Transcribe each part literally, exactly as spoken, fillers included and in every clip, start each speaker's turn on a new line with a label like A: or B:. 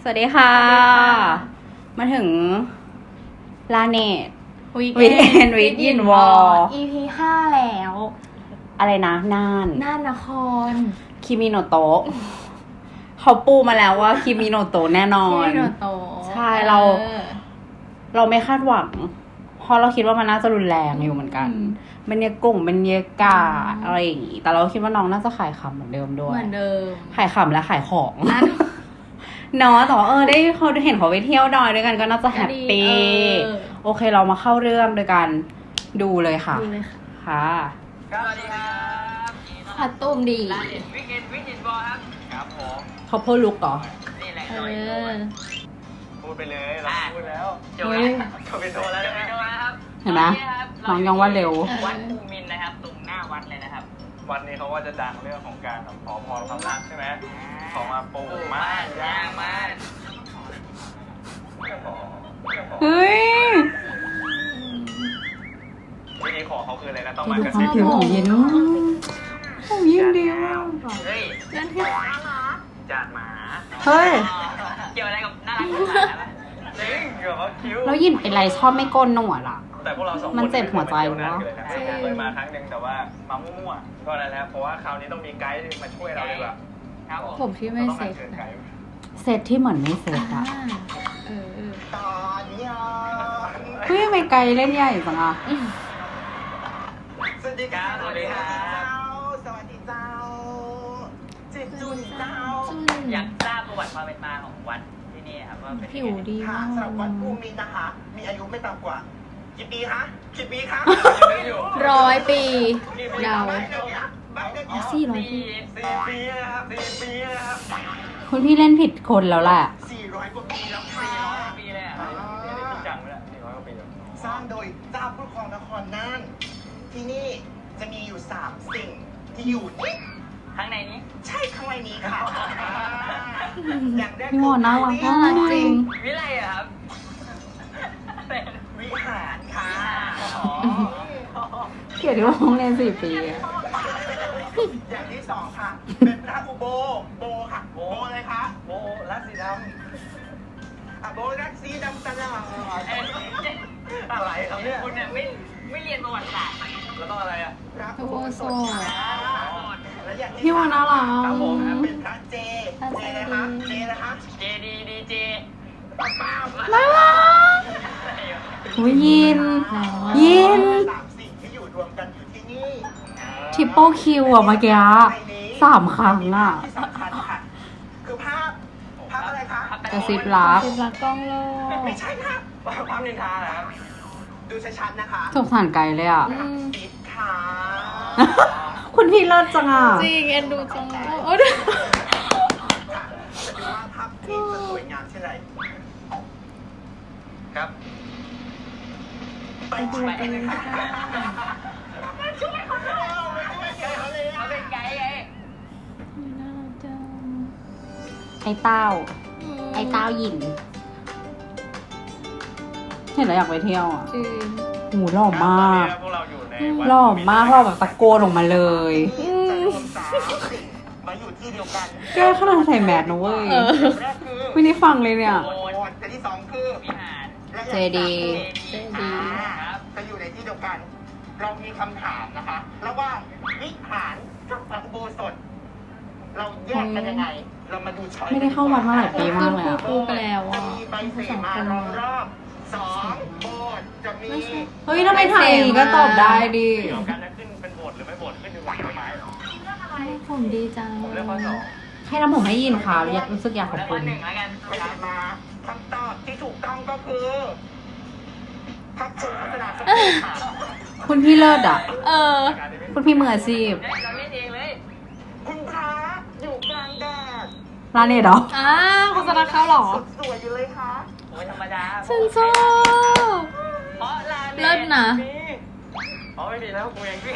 A: สวัสดีค่ะ มาถึงลาเนต
B: วี
A: วีคเอนด์วิดยินวอล
B: อี พี ห้าแล้ว
A: อะไรนะน่าน
B: น่านนคร
A: คิมิโนโตะเขาปูมาแล้วว่าคิมิโนโตะแน่นอน
B: ที่โนโต
A: ใช่เรา เราไม่คาดหวัง เพราะเราคิดว่ามันน่าจะรุนแรงอยู่เหมือนกันบรรยากาศบรรยากาศอะไรอย่างงี้แต่เราคิดว่าน้องน่าจะขายขำเหมือนเดิมด้วย
B: เหมือนเดิม
A: ขายขำและขายของ
B: น่า
A: เนาะแต่ว่าเออได้เขาเห็นเขาไปเที่ยวดอยด้วยกันก็น่าจะแฮปปี้
B: เออ
A: โอเคเรามาเข้าเรื่องโดยการดูเลยค่ะ
B: ดูเลยค่ะ
A: ค่ะ
C: สวัสดีครับ
B: คอตุ้มดี
C: ร้านเด็ดวิกเอนวิจิตบอลครับครับผม
A: เขาพูดลุกเหรอ
C: นี่แหละ
B: เอ
C: หน่อย
B: อ
D: พูดไปเลยเราพูดแล้ว
C: จบแล้วจบเป็นโทรแล้วจบเป็นโทรแล้วครับ
A: เห็นไหมน้องยังว่าเร็ว
C: วัดภูมินทร์นะครับ ตรงหน้าวัดเลยนะครับ
D: วันนี้เขาว่าจะดังเรื่องของการแบบขอพรความรักใช่ไหมขอมาปลูกไม้
C: ยางมา
A: เฮ้ย
D: วิธีขอเขาคืออะไรนะต้อง
A: ดู
D: มากระ
A: ควา
D: ซิ
A: ม
D: บ
A: ผิวของยินของยินดีมาก
C: เฮ้ย
B: นั่นคือ
D: จากหมา
A: เฮ้ย
C: เกี่ยวอะไรกับน่ารักของหมาปะ
D: จริงเกี่ยวกับเขาคิ้ว
A: แล้วยินเป็นไรชอบไม่โกนหนวดอ่ะ
D: แต่พวกเราสองคน
A: มันเจ็บหัวใจวะ
D: เคยมาครั้งหนึ่งแต่ว่ามามั่วๆก็นั่นแหละเพราะว่าคราวนี้ต้องมีไกด์มาช่วยเราดีกว่า
C: ครับผม
B: ผมที่ไม่เซ็ต
D: เชิญ
B: นะ
D: ไกด์
A: เซตที่เหมือนไม่เซต
B: อ่า
A: อ่ะ
B: เออเออ
D: ตอนยอน
A: เฮ้ยทำไมไกลเล่นใหญ่จังอ่ะ
D: สวัสดีครับสวัสดีครับ
E: สวัสดีเจ้าจิตจุนเจ้า
B: จุ้น
C: อยากทราบประวัติความเป็นมาของวัดที่นี่ครับว่าเป็น
B: ผิวดี
E: ค่ะ
B: มาก
E: สำหรับวัดภูมินทร์นะคะ มีอายุไม่ต่ำกว่ากี่ปีคะกี่ปีคะ
B: ร้อยปีเดา
E: ไม่เดี๋ยวนี้ไม่เดี๋ยว
B: อ๋อ
E: นี้
B: สี่ร้อยปี
D: สี่ปีนะครับสี่ปีนะครับ
A: คุณพี่เล่นผิดคนแล้วแหละ
E: สี่ร้อยกว่าปีแล้วค่ะ
C: สี่ร้อยปีเลยอะ
D: นี่จริงจังไหมล่ะสี่ร้อยกว่าปีแล้ว
E: สร้างโดยเจ้าผู้ครองนครน่าน ที่นี่จะมีอยู่สามสิ่งที่อยู่นี่
C: ข้างในนี้
E: ใช่ข้างในนี้ค่ะ อย่างแรก
A: พี่โมน่ารักมาก
B: น่ารักจริง
C: วิไลอะครับ
E: วิหารค่ะ
A: เกลียดที่ว่าห้องเรียนสี่ปีอะ
E: อย่างที่สองค่ะ เป็นพระอุโบโบค่ะ โบอะไรคะ
D: โอ้รักสีด
E: อ่ะโบรักสีดำตลอด
C: เอ้ย
D: ำอะไรครับเนี่ย
C: คุณเนี่ยไม่ไม่เรียนประวัติศาสตร์
D: แล้วต้องอะไรอ่ะ
E: พระ
B: โอโซ
E: และอย่างที่
A: พี่โมน่ารัก
D: ครับผม
E: เป็นพระเจ เจนะคะ เจนะคะ
C: เจดีดีเจ
E: ป้าป้า
A: น่ารักอุ๊ยยิน ยิน
E: สามสิ่งที่อยู่รวมกันอยู่ที่นี่
A: ทริปเปิลคิวอะเมื่อกี้สามครั้งอะ
E: ที่สำคัญค่ะ คือภาพ ภาพอะไรคะ
A: กระซิบรัก
B: สิบลักกล้องโลก
E: ไม่ใช่ค่ะ
D: ภาพนินทาเหรอครับ
E: ดูชัดๆนะคะ
A: สงสารไกลเลยอ่ะ
B: อืม
E: ปิดค่ะ
A: คุณพี่เลิศจังอ่ะ
B: จริงเอ็นดูจังเลยโอ้ย
E: ค่ะจะดูว่าภาพนี้จะสวยงามเช่นไร
D: ครับ
E: ไปดู
C: ไป
E: กันเลยค่ะ
C: ช่วยเขาด้วยเขาเป็นไกด์ไง
B: น่ารักจัง
A: ไอ้เต้า ไอ้เต้าหยิน เห็นแล้วอยากไปเที่ยวอ่ะ
B: จริง
A: หูหล่อมาก
D: พวกเราอยู่ในวัด
A: หล่อมากหล่อแบบตะโกนออกมาเลย
E: จะรวมสามสิ่งมาอยู่ที่เดียวกัน
A: แกขนาดใส่แมสนะเว้ย
B: เออ
E: อย่างแรกคือ
A: ไม่ได้ฟังเลยเนี่ย
E: โบสถ์แต่ที่สองคือ
C: วิหาร
E: และ
A: เจดีย์
B: เจดีย์
E: อ่าจะอยู่ในที่เดียวกัน เรามีคำถามนะคะ ระหว่างวิหารกับพระอุโบสถ เราแยกกันยังไง เรามาดูช้อย
A: ไม่ได้เข้าวัดมาหลายปีมากเลยอะ
B: คู่ไปแล้ว
E: จะ
B: อ่ะ
E: มีใบเสมาล้อมรอบสองโบสถ์จะมี
A: เฮ้ยทำไมไทยก็ตอบได้ดิ
D: เกี่ยวกับการจะขึ้นเป็นโบสถ์หรือไม่โบสถ์ขึ้นอยู่กับต้นไม้เหรอ
B: ผมดีจัง
D: ผมเลือกข้อสอง
A: ให้ทำผมให้ยินค่ะอยากรู้สึกอยากขอบ
C: แล้ว
A: คุ
C: ก็
A: ณ
C: หนึ่งแล้วกัน
E: ไปถามมาคำตอบที่ถูกต้องก็คือพระพุทธศาสนาสมัยค่ะ
A: คุณพี่เลิศอ่ะ
B: เออ
A: คุณพี่มืออาชีพ
C: เฮ้ยเราเล่นเองเลย
E: คุณพระอยู่กลางแดด
A: ร้านเน็ตเหรอ
B: อ้าวโฆษณาเข้าเหรอ
E: สุดสวยอยู่เลยค่ะ
C: โอ้ยธรรมดา
B: ฉันชอบ
C: เพราะลา
B: เลิศนะ
D: มีอ๋อไม่มีแล้วกูเองพี่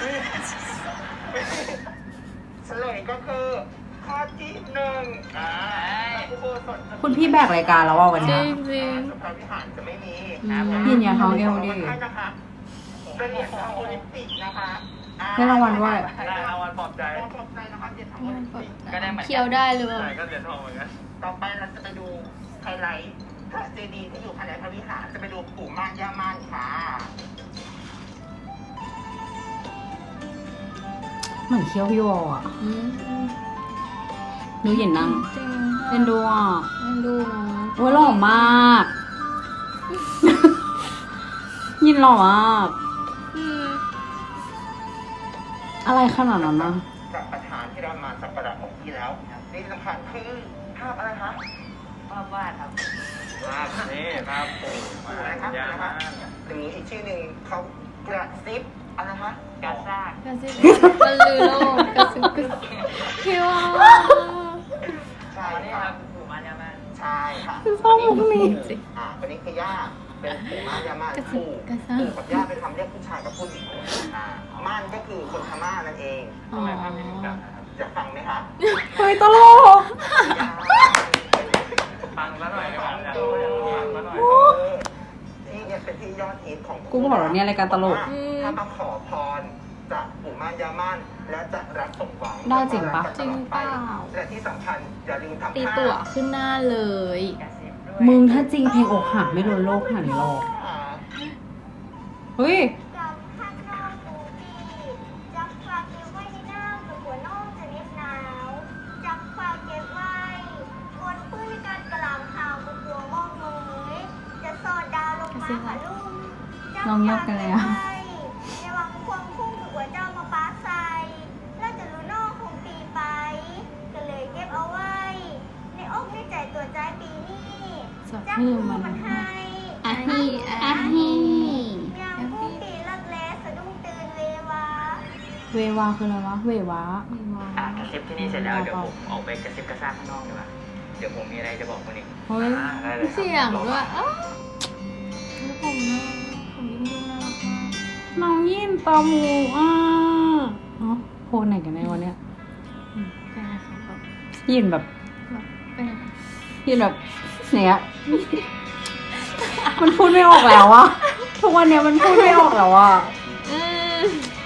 E: เฉลยก็คือข้อที่หนึ่งอ่าอุโบสถ
A: คุณพี่แบกรายการแล้วว่าวัน
B: จริ
A: เนี้ย
B: งจริง
E: สุขวิหารจะไม่มี
A: ยินอย่าท้องเอวดิ
E: ให้นะคะเป็นเหรียญทองโอลิมปิกนะคะอ่
A: ได้รางวัลด้วย
D: ได้รางวัลปลอบใจ
E: ได้ปลอบใจนะคะเหรียญทองโอลิมปิก
C: ก็ได้เหมือน
B: เคี้ยวได้หรือเปล่า
D: ใช่ก็เหรียญทองเหมือนกัน
E: ต่อไปเราจะไปดูไฮไลท์พระเจดีย์ที่อยู่ภายในพระวิหารจะไปดูปู่ม่านย่าม่านค่ะ
A: เหมือนเคี้ยวพี่วออ่ะ
B: อืม
A: ดูเห็นนั่ง
B: จริง
A: เป็นดูอ่ะ
B: เป็นดูเนาะ
A: โอ้ยหล่อมาก ยินหล่อมาก
B: อืม
A: อะไรขนาดนั้นนะ
E: พระประธานที่เรามาสักการะของที่แล้วนี่สำคัญคือภาพอะไรคะ
C: ภาพวาดครับ
E: ภาพ
D: นี่ครับปู่
E: ปู่อะไรครับ
D: ยา
E: นะ
D: มา
E: คะหรืออีกชื่อหนึ่งเขากระซิบอะไรนะคะ
C: กาซาก
B: กระซิบมันลือโลกกระซิบกระซิบพี่ว่า
E: ใช่
C: อันนี้
E: ค
C: ค
E: รั
C: รั
E: บบ
C: ปู่มานยามา
E: ใช่ค่ะ
A: คือชอบมุกนี้
E: อ่าวันนี้คือย่าเป็นปู่ม่านย่าม่าน
B: กระซิบ
E: ปู่
B: กระซา
E: ปู่กับย่าเป็นคำเรียกผู้ชายกับผู้หญิงอ่าม่านก็คือคนพม่านั่นเอง
B: อ๋อ
D: ทำไมภาพนี้ถึงดังนะครับ
E: จะฟังไหมคะ
A: เฮ้ยตลก
D: ฟังแล้วหน่อยดีกว่าฟังแล้วหน่อย
E: ที่เนี่ยเป็นที่ยอดฮิตของ
A: กูบอกแล้วเนี่ยรายการตลก
E: ถ้ามาขอพรจากปู่ม่านย่าม่านและจะรับสมหวัง
A: ได้จริงปะ
B: จริงเปล่า
E: และที่สำคัญอย่าลืมทำ
B: ตี
E: ท่า
B: ตั๋วขึ้นหน้าเลย
C: กระซิบด้วย
A: มึงถ้าจริงเพลงอกหักไม่โดนโลกขนาดนี้หรอก
E: อ่า
A: เฮ้ย
F: กับข้างนอกปูปีจับฝากเก็บไว้ในน้ำกับหัวนอกจะเน็บหนาวจับฝากเก็บไว้บนพื้นในการกระหล่ำข่าวกับหัวมองเงยจะสอดดาวลงมาหาลุ่มจับ
A: น้องยกกันเลยอะ
F: ฝากเก็บไว้ในวังควงพุ่งกับหัวเจ้ามาปาใส่แล้วจะรู้นอกคงปีไป ก็เลยเก็บเอาไว้ ในอกในใจตัวใจปีนี้
B: สด
F: จัก
B: ชื่อ
F: ผู้
B: มัน
F: มันให้
B: อ่ะฮีอ่ะฮี
F: ยามผู้ปีเลิกแลสะดุ้งตื่นเววา
A: เววาคืออะไรวะ เววา
B: ไม่ว่า
C: อ่ะกระซิบที่นี่เสร็จแล้วเดี๋ยวผมออกไปกระซิบกระซากข้างนอกดีกว่าเดี๋ยวผมมีอะไรจะบอกคนอีก
A: เฮ้ย
D: อ่าได้เลยครับ
B: เสียงด้วยอ้าวแล้วผมน่าผมยิ่งดูน่ารักมาก
A: น้องยินตามูอ่ะอ๋อโพสไหนกันในวันเนี้ย
B: อืมเป็นไงคะแบบ
A: ยินแบบ
B: แบบเป็นไงคะ
A: ยินแบบเนี้ย มันพูดไม่ออกแล้วอะทุกวันเนี้ยมันพูดไม่ออกแล้วอะ
B: อืม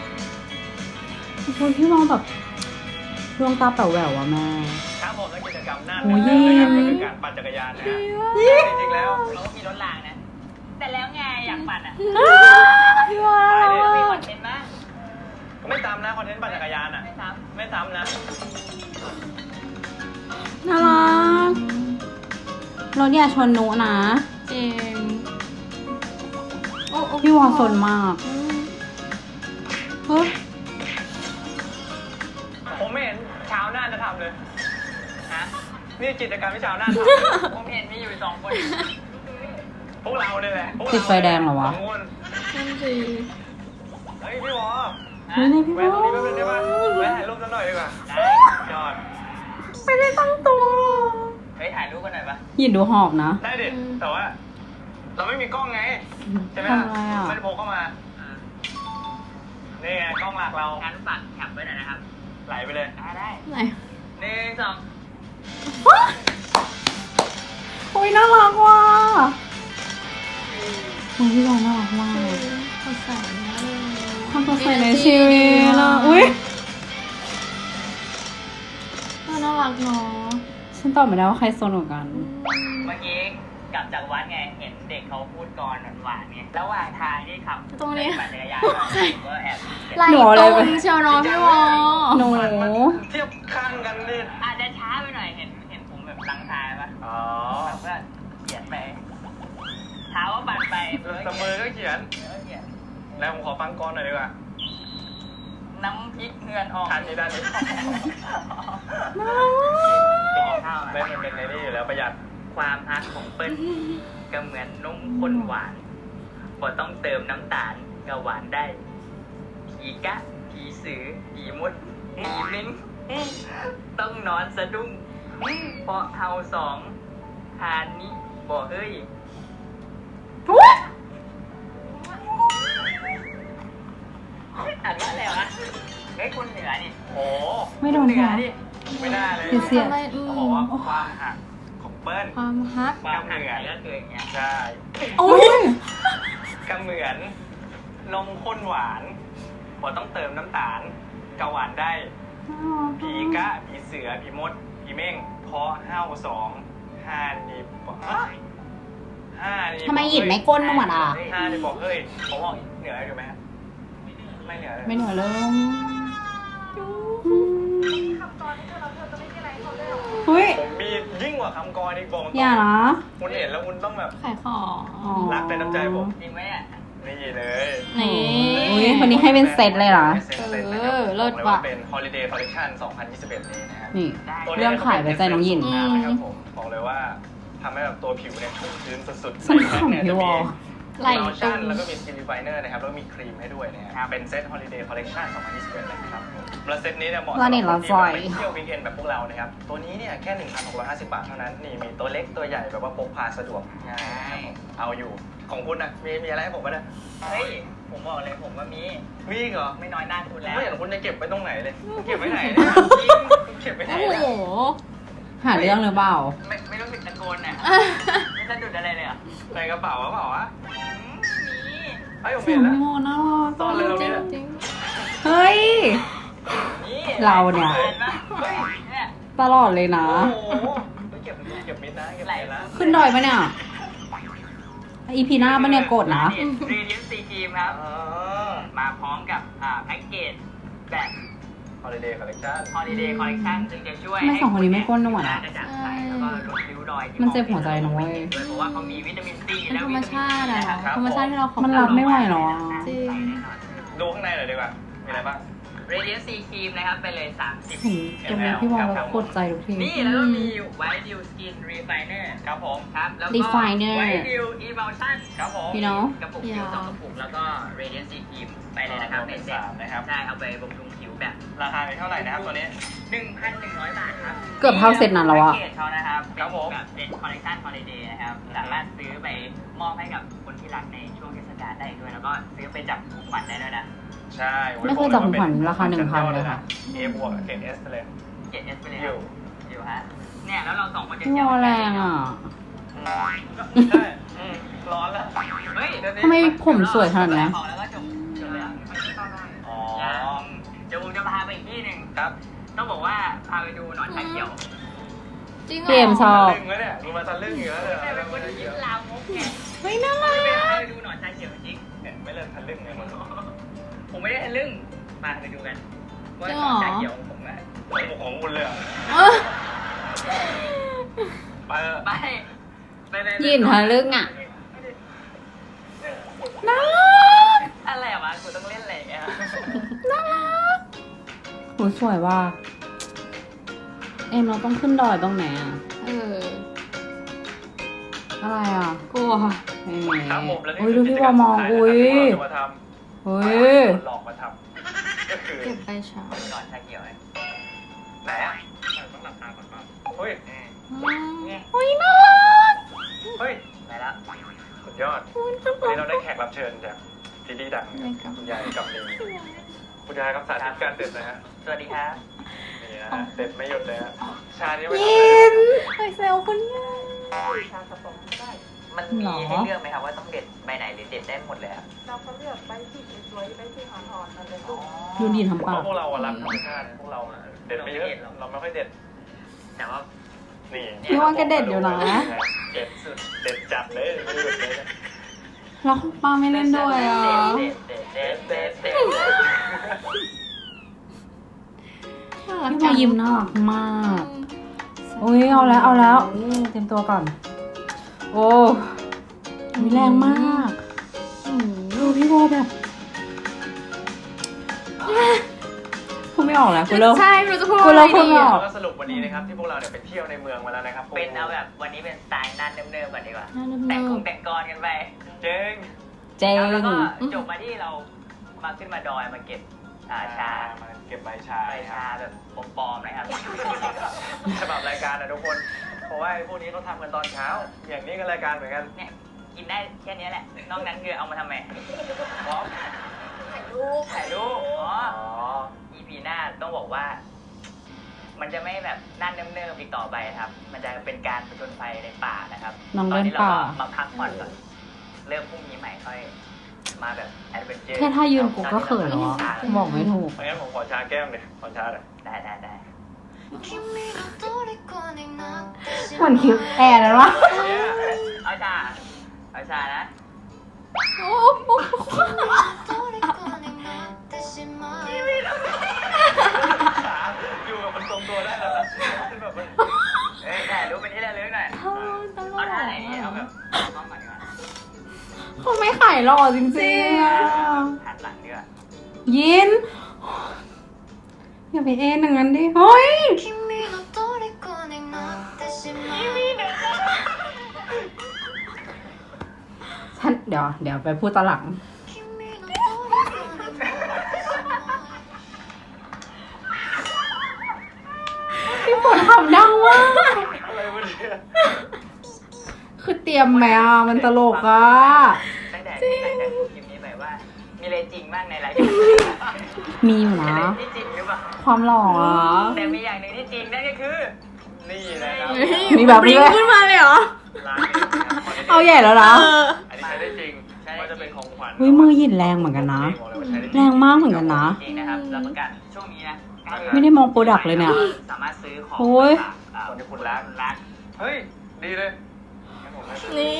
A: คนที่มองแบบดวงตาแป๋วแหววอะแม่
D: ครับผมและกิจกรรมหน้า
A: โอ้ย
D: นะครับก็คือการปั่นจักรยานนะฮะจริงๆแล้ว
C: เขาก็มีรถรางนะ แต่แล้วไงอยากปั่นอ่ะ
A: พี่ว่า
C: มีคอนเทนต์มั้ย
D: ไม่ซ้ำนะคอนเทนต์ปั่นจักรยานอ่ะ
C: ไม่ซ้
D: ไม่ซ้ำนะ
A: น่ารักรถอย่าชนนุนะ
B: จริงโอ้โอ้
A: พี่วอสนมาก
B: อืม
A: เฮ้ย
D: ผมไม่เห็นชาวน่านจะทำเลย
C: ำฮะ
D: นี่กิจกรรมที่ชาวน่านท
C: ผมเห็นมีอยู่สองคน
D: ำพวกเราเนี่ยแหละพวกเรา
A: ติดไฟแดงเหรอวะ
D: สองคน
B: นั่นสิ
D: เฮ้ยพี่วอ
A: เฮ้ยนี่พี่
D: แวะ
A: ว
D: ต
A: อ
D: รงนี้แป๊บนึงได้ปะแวะถ่ายรูปสักหน่อยดีกว่า
C: ได้
D: ยอด
A: ไม่ได้ตั้งตัว
C: เฮ้ยถ่ายรูปกันหน่อยปะ
A: ยินดูหอบนะ
D: ได้ดิ แต่ว่า เราไม่มีกล้องไง ใช่ไหม
A: ทำอะไรอ่ะ
D: ไม่ได้พกเข้ามา
C: อ่า
D: นี่ไงกล้องหลักเรา
C: งั้นฝากแคปไว้หน่อยนะครับ
D: ไหลไปเลย
C: ได้ได้
B: ไหน
C: หนึ่งสอง
A: โอ้ยน่ารักว่ะโอ้ยพี่วอน่ารักมาก
B: เขาใส่มากเลย
A: ความสดใสในชีวิตอะอุ้ย
B: เออน่ารักเนาะ
A: ฉันตอบไม่ได้ว่าใครโซนกว่ากัน
C: เมื่อกี้กลับจากวัดไง เห็นเด็กเขาพูดกรหวานๆไงระหว่างทางที่ขับ
B: ตรงนี้
C: ปั่นจักรยานมาผมก็แอบ
B: ไหล
A: หนู
B: ต
A: อะไร
B: รง
A: ไป
B: เชียวเน้องพี่วอ
A: หนู
D: เทียบข้างกันนี่
C: อาจจะช้าไปหน่อย เห็นเห็นผมแบบลังทายปะ
D: อ๋อ
C: แบบว่าเขียนไปเท้าก็ปั่นไป
D: แต่มือก็เขียน
C: เออเขียน
D: แล้วผมขอฟังก่อนหน่อยดีกว่า
C: น้ำพริกเงินออก
D: ทันนี้ด้านนี้
C: ข้าว
D: ไม่มันเป็นในนี่อยู่แล้วประหยัด
C: ความฮักของเปิ้ลก็เหมือนนมข้นหวานพอต้องเติมน้ำตาลก็หวานได้ ผีกะ ผีสือ ผีมด ผีเม้งต้องนอนสะดุ้งเพราะเฮาสองทานนี้บอกเฮ้ย อ่านว่าอะไรวะเฮ้ยคนเหนือนี่
D: โอ้
A: ไม่โดน
C: เหนื
A: หั
C: อ
A: ว
C: นี่
D: ไม่น่าเลย
A: เสีย
B: ทำไมอื
D: เขา
B: ม
D: บอกว่าความหักของเปิ้ล
B: ความฮัก
C: ความเหนือก็คืออย่างเงี้ย
D: ใช่
A: โอ้ย
D: ก็เหมือนนมข้นหวานพอต้องเติมน้ำตาลก็หวานได้ ผีกะ ผีเสือ ผีมด ผีเม่งเพราะห้าวสองห้านี่บอกฮะห้านี่
A: ทำไมหยิบไม่ก้นหนวดอ่ะ
D: ห้านี่บอกเฮ้ยผมบอกเหนืออยู่ไหมฮะไม่เหนือเลย
A: ไม่เหนือเริ่ม
B: คำตอนที่เธอเราเธอจะไม่มีอะไรเขาเลยหรอ
A: เฮ้ย
D: ผมมียิ่งกว่าคำกรอีกบอก
A: อย่านะ
D: คุณเห็นแล้วคุณต้องแบบ
B: ขายของ
A: อ๋อ
D: รักในน้ำใจผม
C: จริงไหมอ่ะ
D: นี่เลย
B: นี่
A: อุ้ยคนนี้ให้เป็นเซตเลยเหรอ
B: เออเลิศ
D: บอกเลยว่า
B: ว่ะ
D: เป็น Holiday Collection สองพันยี่สิบเอ็ดนี้นะครับ
A: นี่
C: ได้
A: เรื่องขายไว้ใจน้องหยิน
D: นะครับผมบอกเลยว่าทำให้แบบตัวผิวเนี่ยชุ่มชื้นสุดๆ
A: ฉันขำพี่วอ
B: ไหล่
D: โล
B: ตร
D: ชั่น
B: ง
D: แล้วก็มีสกินรีไฟเนอร์นะครับแล้วก็มีครีมให้ด้วยนะครับเป็นเซต Holiday Collection สองพันยี่สิบเอ็ดนะครับแล้วเซตนี้เนี่ยเหมาะสำหรับคนที่แบบไปเที่ยววีคเอนด์แบบพวกเรานะครับตัวนี้เนี่ยแค่ หนึ่งพันหกร้อยห้าสิบบาทเท่านั้นนี่มีตัวเล็กตัวใหญ่แบบว่าพกพาสะดวกง่ายเอาอยู่ของคุณนะมีมีอะไรให้ผมบ้างนะ
C: เฮ้ย ผมบอกเลยผมว่ามี
D: มีอีกเหรอ
C: ไม่น้อยหน้าคุณแล้ว
D: ไม่เห็นคุณจะเก็บไว้ตรงไหนเลยคุณเก็บไว้ไหนเนี่ยจริงคุณเก็บไว้ไหน
B: โอ้โห
D: นะ
A: หาเรื่องหรือเปล่า
C: ไม่ไม่รู้สึกตะโกนอ่ะ ไม่สะดุดอะไรเลยเหรอ่ะ
D: ในกระเป๋าหรือเปล่าวะ
C: มี
D: ไอ้ผม
A: เสี
D: เห็
A: ย
D: น
A: ง
D: แล้ว
A: โมน่ารัก
D: ซ่อนเลยตรงนี้
B: จริง
A: เฮ้ย
C: นี่
A: เราเนี่ย
C: เห็นปะเฮ้ยเนี่ย
A: ตลอดเลยนะ
D: โอ้โหเก็บเก็บมิดนะเก็บมิดนะ
A: ขึ้นดอยปะเนี่ย อีพีหน้าปะเนี่ยกดนะ
C: เรเดียนซีครีมครับ
D: อ๋อ
C: มาพร้อมกับอ่าแพ็กเกจแบบ
D: Holiday Collection
C: Holiday Collection ซึ่งจะช่วย
A: ทำไมสองคนนี้ไม่ก้นหนวดอะ
C: กระจ่างใสแล้วก็ลดริ้วรอยที่
A: มันเจ็บหัวใจนะเว้ย
C: ด้วยเพราะว่าเขามีวิตามินซี
B: เป็น
C: และ
B: ธรร
C: วิ
B: ม
C: ตามิน
B: ชาติอะ
C: นะครับ
B: ธรรมชาติที่เราขอบ
A: มันรับไม่ไหวหรอ
B: จริง
D: ดูข้างในหน่อยดีกว่า มีอะไรบ้าง
C: Radiant C Cream นะครับไปเลย สามสิบ
A: เห็นเกมนี้พี่วอลแล้วกดใจทุกที
C: นี่แล้วก็มี White Dew Skin Refiner
D: ครับผม
C: ครับ แล้วก็
A: Refiner
C: White Dew Emulsion
D: ครับผม
A: พี่น้อง
C: กระปุกผิวสองกระปุกแล้วก็ Radiant C Cream ไปเลยนะครับในเซ็ต
D: สามนะครับ
C: ใช่เอาไปบำรุงผิวแบบ
D: ราคาเป็นเท่าไหร่นะครับตัวนี้
C: หนึ่งพันหนึ่งร้อย บาทครับ
A: เกือบเท่าเซ็ตนั้นแล้วอะ
C: พ็กเกจเขานะครับ
D: ครับผม
C: แบบเป็นคอลเลคชันฮอลิเดย์นะครับ สามารถซื้อไปมอบให้กับคนที่รักในช่วงเทศกาลได้อีกด้วย แล้วก็ซื้อไปจับของขวัญได้ด้วยนะ
D: ใช่
A: ไม่เคยจับของขวัญราคา1,000เลยค่ะ
D: เอบวกเกรดเอสเลย
C: เจ็ดเอสไปเลย
D: อยู่
C: อยู่ฮะ เนี่ยแล้วเราสองคนจะ
A: พี่ว
C: เที่ยว
A: อล
C: กัน
A: แรงอ่ะ
D: ใช่อืมร้อนแล้ว
C: เฮ้ย
A: ทำไมผมสวยขนาดเนี้ย
C: ของแล้วก็จบจบแล้ว
D: อ๋อ
C: เดี๋ยวผมจะพาไปอีกที่หนึ่ง
D: ครับ
C: ต้องบอกว่าพาไปดูหนอนชาเขียว
B: จริงเหร
A: เกมช
B: อ
A: อบ
D: ทะลึ่งแล้วเนี่ยมีมาทะลึ่งอยู่แล้วเนี่ย
C: ไม่เป็นคนยิ้มลามกไง
A: เฮ้ยน่ารั
C: ไม่ไป
A: ก
C: พาไปดูหนอนชาเขียวจริง
D: เนี่ยไม่เลิกทะลึ่งเลยมัน
C: ผมไม่ได้ทะลึ่งมาไปดูกันว่า
B: จริง
C: หน
B: เหรอ
C: อนชาเขียวของผมอะ
D: ของของคุณเลยเหรอ
B: เออ
D: ไปเถอะ
C: ไปไปไป
A: ยินทะลึ่งอ่ะน่ารัก
C: อะไรวะกูต้องเล่นอะไรอย่างเงี้ย
A: น่ารักโหสวยว่ะเอ็มเราต้องขึ้นดอยตรงไหนอ่ะ
B: เออ
A: อะไรอ่ะ
B: กลัว
A: เอ้ย
D: ครับผมแล้วนี่
A: อุ้ย
D: คื
A: ดู
D: อ
A: พี่วอลมอง
D: กิจกรรมสุดท้าย
A: อุ้ย
D: นะครับที่เราจะมาทำ
A: เฮ้ย
D: หลอกมาทำก็คือ
B: เก็บไปเช้า
C: หนอนชาเขียวไง
D: ไหนอ่ะต้องหลับตาก่อนป่ะเฮ้ย
C: อืม
B: อืม
C: เนี่ย
A: อุ้ยน่ารัก
D: เฮ้ย
C: ไปแล้ว
D: สุดยอด วันนี้เราได้แขกรับเชิญจากซีดีดัง
B: ได้ครับ
D: คุณยายกับลิงคุณยายครับสาธิตการเด็ดนะฮะ
C: สวัสดีครับ
D: นี่นะฮะเด็ดไม่หยุดเลยฮะชานี้ไม่
A: ยินไปเซลคุณยาย
C: ชากระป๋องก็ได้ มันมี
A: หรอ
C: ให้เลือกไหมครับว่าต้องเด็ดใบไหนหรือเด็ดได้หมดเลยครับ
G: เราก็เลือกใบที่สวยๆใบที่อ่อนๆมันเลยลูก
A: ดูดีทำ
D: เพ
A: ปาก
D: ราะพวกเราอะรักธรรมชาติพวกเราอะเด็ดไม่เยอะเราไม่ค่อยเด็ด
C: แต่ว่า
D: นี่
A: พี่ว่าแกเด็ดอยู่นะ
D: เด็ดสุดเด็ดจัดเลยไม่หยุดเลยนะ
A: แล้วป้าไม่เล่นด้วยอ่ะ
C: เด็ดเด็ดเด็ดเด็ดเด็ด
B: น่ารัก
A: พี่
B: จั
A: วาง ยิ้มน่ารักมาก อุ้ยเอาแล้วเอาแล้วเตรียมตัวก่อน โอ้มีแรงมาก
B: อืม
A: ดูพี่โบแบบพูดไม่ออกแล้วกูเริ่ม
B: ใช่ไม่รู้จะพูด
A: กู
B: อะไร
A: เริ่มพูด
B: ดี
A: ไม่อ
B: อะ
A: อก
D: แล้วก็สรุปวันนี้นะครับที่พวกเราเนี่ยไปเที่ยวในเมืองมาแล้วนะครับ
C: เป็นเอาแบบวันนี้เป็นสไตล์นั่นเนิบๆก่อนดีกว่า
A: น่าเนิ
C: แต่งค
A: บ
C: งแต่งกรกันไป
D: เจ๊ง
A: เจ๋ง
C: แล้วก็จบมาที่เรามาขึ้นมาดอยมาเก็บอ่าชา
D: มาเก็บใบชา
C: ใบ
D: ค
C: ชา
D: รับ
C: แบบปลอมๆนะครับ
D: ฉบับรายการนะทุกคน เพราะว่าไอ้พวกนี้เขาทำกันตอนเช้า อย่างนี้ก็รายการเหมือนกัน
C: เนี่ยกินได้แค่นี้แหละ นอกนั้นคือเอามาทำไมพร้อมถ่ายรูปถ่ายรูปอ๋อ
D: อ๋อ
C: อีพีหน้าต้องบอกว่า มันจะไม่แบบนั่นเนิบๆอีกต่อไปครับ มันจะเป็นการผจญภัยในป่านะครับ
A: น้อง
C: ตอน
A: เดิน
C: นี้เรา
A: ป่า
C: ก็มาพักผ่อนก่อนเริ่มพรุ่งนี้ใหม่ค่อยมาแบบแอดเวนเจอร์
A: แค่ถ้ายืนกูก็เขินแล้วอะบอกไม่ถูก
D: งั้นผมขอชาแก้มเลยขอชาเลย
C: ได้ได้ได้
A: เหมือนคลิปแอร์นะวะ
C: เอาชาเอาชานะ
D: อยู่กับมันตรงตัวได้แล้วนะแบบว่า
C: เอ้ยแต่รู้เป็นที่ระลึกหน่อย
A: ตล
C: เอา
A: ก
C: ท่าไหนดีเอาแบบมองก่อนดีกว่า
A: เขาไม่ขายหล่อจริงๆอะ
C: หันหลังดีกว่า
A: ยินอย่าไปเอ็นอย่างนั้นดิเฮ้ยฉันเดี๋ยวเดี๋ยวไปพูดตอนหลังพี่ฝนทำดังมาก
D: อะไรวะเนี่ย
A: คือเตรียมไหมอ่ะมันตลกอ่ะ
C: ตั้งแต่ตั้งแต่คลิปนี้ไปว่า มีอะไรจริงบ้างในไลฟ์
A: มีอยู่
C: มี
A: นะ
C: อะไรที่จริงหรือเปล่า
A: ความหล่ออ่ะ
C: แต่มีอย่างหนึ่งที่จริงนั่นก็คือ
D: นี่นะครับ
A: มีแบบนี้ด้วย
B: ขึ้นมาเลยเหรอ
D: ร้านนี้นะครับ
A: เอาใหญ่แล้วนะ
D: อันนี้ใช้ได้จริงว่าจะเป็นของขวัญ
A: เฮ้ยมือหยินแรงเหมือนกันนะ
D: บอกเลยว่าใช้ได้จ
A: แร
D: ริง
A: งมากเหมือนกันนะ
C: จริงนะครับรับประกันช่วงนี้นะ
A: ไม่ได้มองโปรดักต์เลยเนี่ย
C: สามารถซื้อของ
A: โอ้ย
C: จากอ่า
D: คนที่คุณรัก
C: รัก
D: เฮ้ย ดีเลยงั้นผมให้
B: นี่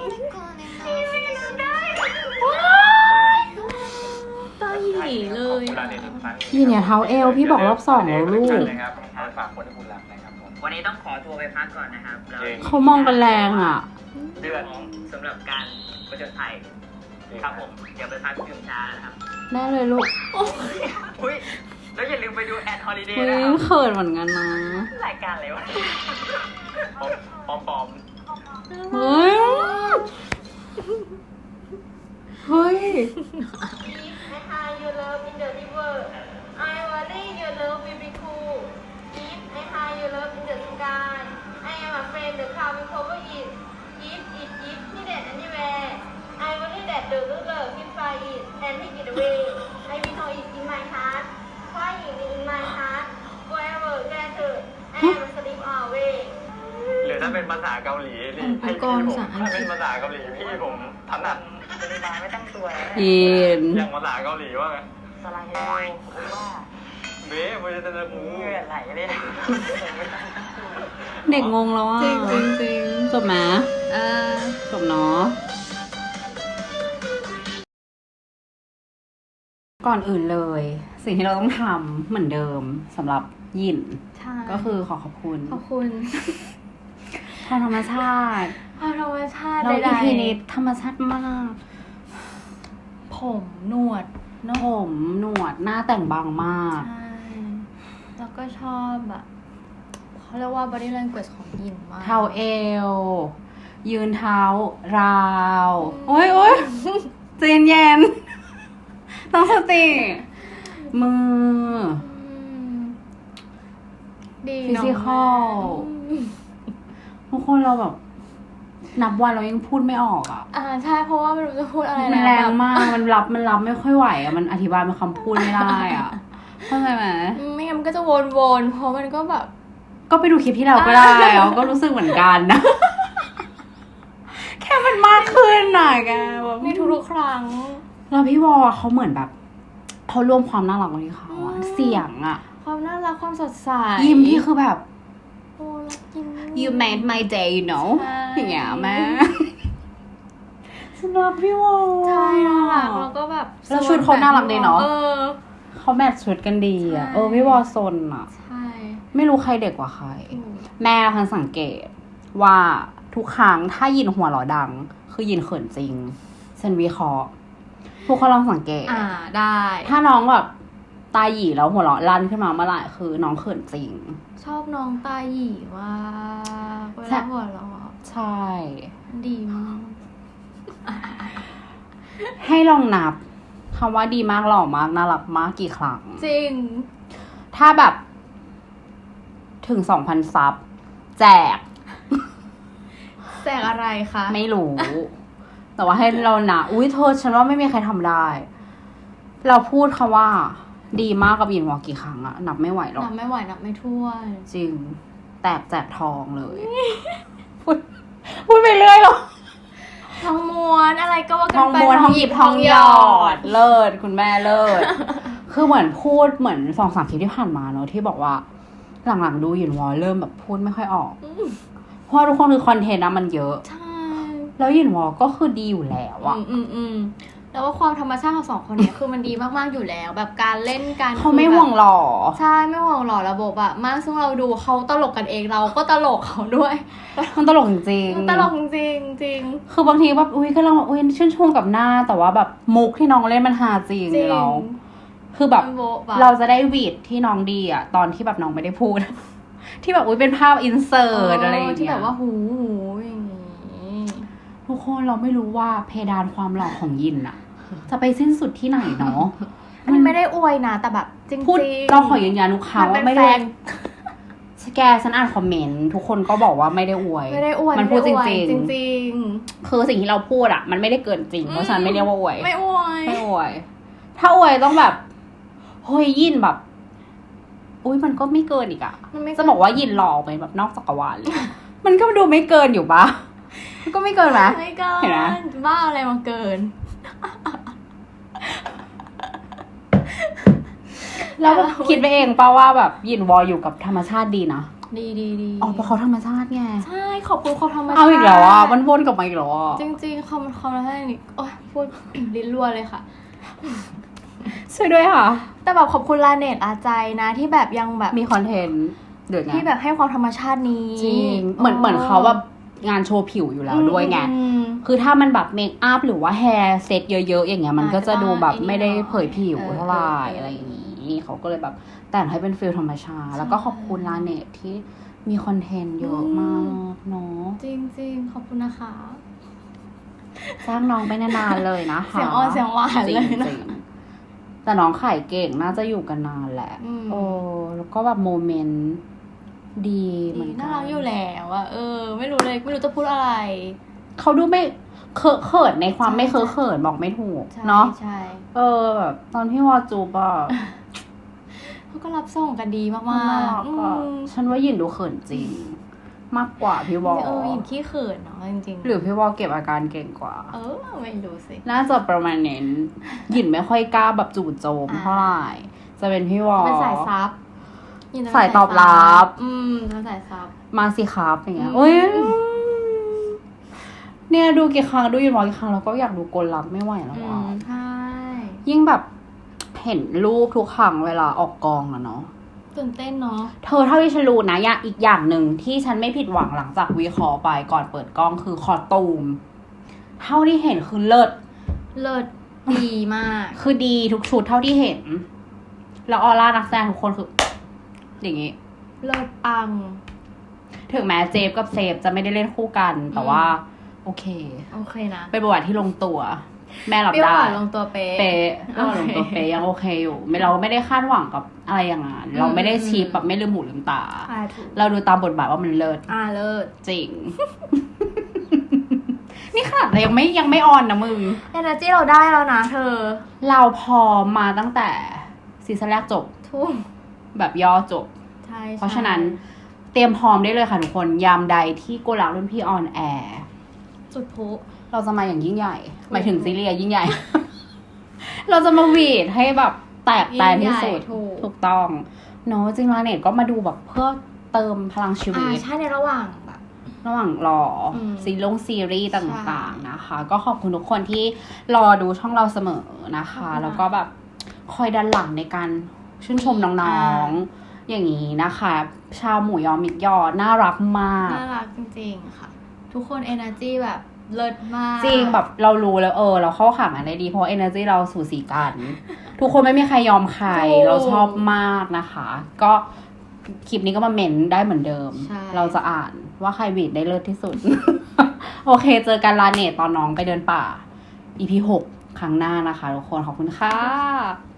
B: ตาหยีเลย
D: ขอบคุณ
B: อะ
D: ร้านนี้ทุกครั้ง
A: นี่เนี่ยเท้าเอวพี่บอกรอบสองแล้วลูก
D: นะครับเอาไปฝากคนที่คุณรักนะครับผม
C: วันนี้ต้องขอตัวไปพักก่อนนะครับแล้ว
D: จริง
A: เขามองกันแรงอ่ะ
C: เดือนสำหรับการประจนภัยครับผมเดี๋ยวไปพักดื่มชานะครับ
A: ได้เลยลูก
C: อุ้ยแล้วอย่าลืมไปดูแอนฮอลิเดย์
A: เฮ้
C: นะ
A: ย
C: ครับ
A: เขินเหมือนกันนะ
C: รายการอะไรวะ
D: ปอมปอม
A: เฮ้ย เฮ้ย
F: If I hide your love in the river, I worry your love will be cool. If I hide your love in the sky, I am afraid the cloud will cover it. If it is hidden anywhere, I worry that the ruler will find it and take it away. I will know it in my heart, crying in my heart, forever gathered. I am asleep always.
D: หรือถ้าเป็นภาษาเกาหลีนี่ให้พี่ผมถ้าเป็นภาษาเกาหลีพี่ผมถนัด
C: เป็นมาไม่ตั้งตัวนะ
A: อิน
D: อย่างภาษาเกาหลีว่าไง
C: สไลด์โอ้ผมว่า
D: เบ๊มันจะเป็นหมู
C: เหงื่อไหลเลยนะ
A: เด็กงงแล้วอ่ะ
B: จริงจริงจริง
A: จบไหม
B: เออ
A: จบเนาะ ก่อนอื่นเลย สิ่งที่เราต้องทำเหมือนเดิมสำหรับยิน
B: ใช่
A: ก็คือขอขอบคุณ
B: ขอบคุณ
A: ทางธรรมชาติ
B: ความธรรมชาติ
A: เรา
B: ใด
A: อีพีนี้ธรรมชาติมาก
B: ๆผมหนวด
A: ผมหนวดหน้าแต่งบางมาก
B: ใช่ แล้วก็ชอบแบบเขาเรียกว่า body language ของหญิงมาก
A: เท้าเอว ยืนเท้าราว โอ้ยโอ้ยใจเย็นๆต้องสติ มือ
B: อืมดี
A: ฟิ
B: เนาะ
A: สิคอล
B: อืม
A: ทุกคนเราแบบ นับวันเรายังพูดไม่ออกอ่ะ
B: อ่าใช่เพราะว่าไม่รู้จะพูดอะไร
A: มัน
B: ล้ว
A: แรง
B: บบ
A: มาก มันรับมันรับไม่ค่อยไหวอ่ะ มันอธิบายเป็นคำพูดไม่ได้อ่ะ เข้าใจไหม
B: ไม่งั้นมันก็จะวนๆ เพราะมันก็แบบ
A: ก็ไปดูคลิปที่เราก็ได้แล้วก็รู้สึกเหมือนกันนะ แค่มันมากขึ้นหน่อยแกแบบ
B: ในทุกๆครั้ง
A: แล้วพี่วอเขาเหมือนแบบเขารวมความน่ารักไว้ที่เขาอะ
B: อืม
A: เสียงอะ
B: ความน่ารักความสดใส
A: ยิ้มที่คือแบบ
B: โอ้รักยิ้ม
A: you made my day you know
B: ใช่
A: อย่างเงี้ยแม่ฉันรักพี่วอ
B: ใช่น่ารักแล้วก็แบบ
A: แล้วชุดเขาน่ารักดีเนาะ
B: เออ
A: เขาแมทช์ชุดกันดีอะ
B: ใช่
A: เออพี่วอซนอะ
B: ใช่
A: ไม่รู้ใครเด็กกว่าใคร
B: ถูก
A: แม่พันสังเกตว่าทุกครั้งถ้ายินหัวเราะดัง คือยินเขินจริงฉันวิเคราะห์ทุกคนลองสังเกต
B: อ่าได้
A: ถ้าน้องแบบตาหยีแล้วหัวเราะลั่นขึ้นมาเมื่อไหร่คือน้องเขินจริง
B: ชอบน้องตาหยีว่าเว
A: ใช่
B: ลาหัวเราะ
A: ใช่
B: ดีมาก
A: ให้ลองนับคำว่าดีมากหล่อมากน่ารักมากกี่ครั้ง
B: จริง
A: ถ้าแบบถึงสองพันซับแจก
B: แจกอะไรคะ
A: ไม่รู้ แต่ว่าให้เรานะอุ้ยเธอฉันว่าไม่มีใครทำได้ เราพูดคำว่า ดีมากกับยินวอกี่ครั้งอะนับไม่ไหวหรอก
B: นับไม่ไหวนับไม่ถ้วน
A: จริง แตกแจกทองเลย พูดพูดไปเรื่อยหรอ
B: ทองม้วนอะไรก็ว่า
A: ท
B: กั
A: อน ง
B: ไป
A: ม้วนทองหยิบทองหยอด เลิศคุณแม่เลิศ คือเหมือนพูดเหมือนสองสามคลิปที่ผ่านมาเนอะที่บอกว่าหลังๆดูหยินวอเริ่มแบบพูดไม่ค่อยออกเพราะทุกคนคือคอนเทนต์นะมันเยอะ
B: ใช่
A: แล้วหยินวอก็คือดีอยู่แล้วอะ
B: อืมอืมอืมแล้วว่าความธรรมชาติของสองคนเนี้ย คือมันดีมากๆอยู่แล้ว แบบการเล่นการ
A: เขาไม่ห่วงหล่อ
B: ใช่ไม่ห่วงหล่อระบบอะมากซึ่งเราดูเขาตลกกันเองเราก็ตลกเขาด้วย
A: มันตลกจริง
B: มันตลกจริงจริง
A: คือบางทีแบบอุ้ยก็ลองอุ้ยชื่นชมกับหน้าแต่ว่าแบบมุกที่น้องเล่นมันฮาจริง
B: จริง
A: เราคือแบบ
B: มันโบ๊ะบะ
A: เราจะได้วีดที่น้องดีอะตอนที่แบบน้องไม่ได้พูด ที่แบบอุ้ยเป็นภาพอินเสิร์ตอะไรอย่างเงี้ย
B: ที่แบบว่าหูหูอย่างงี้
A: ทุกคนเราไม่รู้ว่าเพดานความหล่อของยินอะจะไปสิ้นสุดที่ไหนเนาะ
B: มันไม่ได้อวยนะแต่แบบจริงๆ
A: พูดเราขอยืนยันลูกค้า
B: มันเป็
A: ว่าน ไม่
B: แฟ
A: ได้
B: น
A: แกฉันอ่านคอมเมนต์ทุกคนก็บอกว่าไม่ได้อวย
B: ไม่ได้อวย
A: มันพูดจ
B: ไไอวย
A: ริง
B: จริง
A: ๆคือสิ่งที่เราพูดอะมันไม่ได้เกินจริงเพราะฉะนั้นไม่เรียกว่าอวย
B: ๆไม่อวย
A: ไม่อวย ถ้าอวยต้องแบบเฮ้ยยินแบบ อุ้ยมันก็ไม่เกินอีกอะ
B: มันไม่
A: จะบอกว่ายินหล่อไปแบบนอกจักรวาลเลย มันก็ดูไม่เกินอยู่ปะมันก็ไม่เกินไหม
B: ไม่เกิ
A: เห็นไหม
B: นบ้าอะไรมาเกิน
A: แล้วแบบคิดไปเองป่าว่าแบบยินวออยู่กับธรรมชาติดีนะ
B: ดีดีดี
A: อ๋อเพราะเขาธรรมชาติไง
B: ใช่ขอบคุณเขาธรรมชาติ
A: เอาอีกแล้วอ่ะมันวนกลับมาอีกแล้วอ่ะ
B: จริงๆคำคำนั้นนี่โอ้ยพูด ลิ้นรัวเลยค่ะ
A: ช่วยด้วยค่ะ
B: แต่แบบขอบคุณลาเนตอาใจนะที่แบบยังแบบ
A: มีคอนเทนต์เดือดไง
B: ที่แบบให้ความธรรมชาตินี้
A: จริงเหมือนเหมือนเขาแบบงานโชว์ผิวอยู่แล้วด้วยไง
B: อืม
A: คือถ้ามันแบบเมคอัพหรือว่าแฮร์เซตเยอะๆอย่างเงี้ยมันก็จะดูแบบไม่ได้เผยผิวเท่าไหร่อะไรอย่างนี้เขาก็เลยแบบแต่งให้เป็นฟิลธรรมชาติแล้วก็ขอบคุณลาเนตที่มีคอนเทนต์เยอะมากเนาะ
B: จริงๆขอบคุณนะคะ
A: สร้างน้องไปนานๆเลยนะคะ
B: เสียงอ่อนเสียงหวานเลยนะ
A: จริงๆแต่น้องขายเก่งน่าจะอยู่กันนานแหละ
B: อืม
A: โอ้แล้วก็แบบโมเมนต์ดีเหมื
B: ดี
A: อนกั
B: น่ารักอยู่แล้วอะเออ ไม่รู้เลยไม่รู้จะพูดอะไร
A: เขาดูไม่เคอะเขินในความ
B: ใช่
A: ไม่เคอะเขินบอกไม่ถูก
B: ใช่
A: เนาะ
B: ใช่
A: เออแบบตอนพี่วอจูบอะ
B: เขาก็รับส่งกันดีมาก
A: น่ารัก
B: ๆอื
A: อะ
B: ม
A: ฉันว่าหยินดูเขินจริง มากกว่าพี่วอ
B: เออหยินขี้เขินเนาะจริงๆ
A: หรือพี่วอเก็บอาการเก่งกว่า
B: เออไม่รู้สิ
A: น่าจะประมาณนั้นหยินไม่ค่อยกล้าแบบจู่โจม
B: อ่า
A: เท่าไหร่จะเป็นพี่วอ
B: เป็นสายซับหยินจะเป็น
A: สายตอบรับ
B: อืมเป็นสายซับ
A: มาสิครับอย่างเงี้ย
B: อืม
A: โอ้ยเนี่ยดูกี่ครั้งดูหยินวอกี่ครั้งแล้วก็อยากดูกลลักไม่ไหวแล้ว
B: อื
A: อ่ะ
B: มใช่
A: ยิ่งแบบเห็นรูปทุกครั้งเวลาออกกองอะเนาะ
B: ตื่นเต้นเนาะ
A: เธอเท่าที่ฉันรู้นะอย่างอีกอย่างหนึ่งที่ฉันไม่ผิดหวังหลังจากวิเคราะห์ไปก่อนเปิดกล้องคือคอตูม เท่าที่เห็นคือเลิศ
B: เลิศดีมาก
A: คือดีทุกชุดเท่าที่เห็น แล้วออร่านักแสดงทุกคนคือ อย่างงี้
B: เลิศปัง
A: ถึงแม้เจฟกับเซฟจะไม่ได้เล่นคู่กัน แต่ว่า โอเค
B: โอเคนะ
A: เป็นบทบาทที่ลงตัว แม่รับ
B: เปรี้ยว
A: ได้
B: หวานลงตัวเป๊ะ
A: เป๊ะเรื่องลงตัว
B: โอเค
A: เป๊ะยังโอเคอยู่ไม่เราไม่ได้คาดหวังกับอะไรอย่างนั้นเราไม่ได้ชีพแบบไม่ลืมหูลืมตา
B: อ่าถูก
A: เราดูตามบทบาทว่ามันเลิศ
B: อ่าเลิศ
A: จริง นี่ขนาดเรายังไม่ยังไม่ออนนะมึง
B: เอเนอร์จีเราได้แล้วนะเธอ
A: เราพร้อมมาตั้งแต่ซีซั่นแรกจบ
B: ทุ่ม
A: แบบย่อจบ
B: ใช่
A: เพราะฉะนั้นเตรียมพร้อมได้เลยค่ะทุกคนยามใดที่โกลักรุ่นพี่ออนแอร์
B: จุดพลุ
A: เราจะมาอย่างยิ่งใหญ่ หมายถึงซีรีส์ยิ่งใหญ่ เราจะมาหวีดให้แบบแตกแตนที่สุด
B: ถูก
A: ถูกต้องเนาะจริงๆลาเน็ตก็มาดูแบบเพื่อเติมพลังชีวิ
B: อ่า
A: ต
B: ใช่ในระหว่างแบบ
A: ระหว่างรออ
B: ม
A: ซีรีส์ซีรีส์ต
B: ใช่
A: ่างๆนะคะ ก็ขอบคุณทุกคนที่รอดูช่องเราเสมอนะคะ
B: ขอบคุณค่ะ
A: แล้วก็แบบคอยดันหลังในการชื่นชมน้องๆ อย่างนี้นะคะ ชาวหมูยอมิกยอน่ารักมาก
B: น่ารักจริงๆค่ะ ทุกคนเอเนอร์จีแบบเลิศมาก
A: จริงแบบเรารู้แล้วเออ เราเข้าขากันได้ดีเพราะเอเนอร์จีเราสูสีกัน ทุกคนไม่มีใครยอมใคร เราชอบมากนะคะ ก็คลิปนี้ก็มาเมนได้เหมือนเดิม
B: ใช่
A: เราจะอ่านว่าใครบีดได้เลิศที่สุด โอเค เจอกันลาเนตตอนน้องไปเดินป่า อี พี หกครั้งหน้านะคะทุกคน ขอบคุณค่ะ